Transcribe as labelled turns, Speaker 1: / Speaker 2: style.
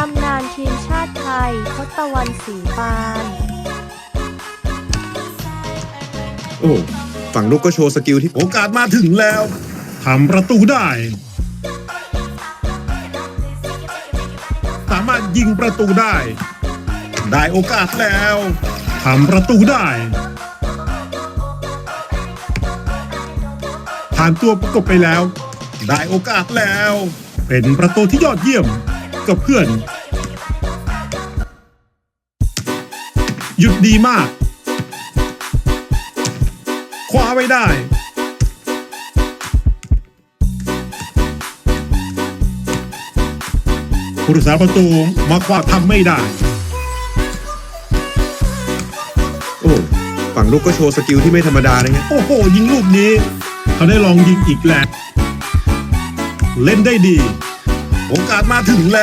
Speaker 1: ำนานทีมชาติไทยทศวรรณ ศรีปาน
Speaker 2: โอ้ฝั่งลูกก็โชว์สกิลที่
Speaker 3: โอกาสมาถึงแล้วทำประตูได้ สามารถยิงประตูได้ ได้โอกาสแล้วทำประตูได้ ผ่านตัวประกบไปแล้ว ได้โอกาสแล้ว เป็นประตูที่ยอดเยี่ยมกับเพื่อน หยุดดีมากคว้าไว้ได้ผู้รักษาประตูมาคว้าทำไม่ได้
Speaker 2: โอ้ฝั่งลูกก็โชว์สกิลที่ไม่ธรรมดาเลยไง
Speaker 3: โอ้โห ยิงลูกนี้ เขาได้ลองยิงอีกแล้ว เล่นได้ดี โอกาสมาถึงแล้ว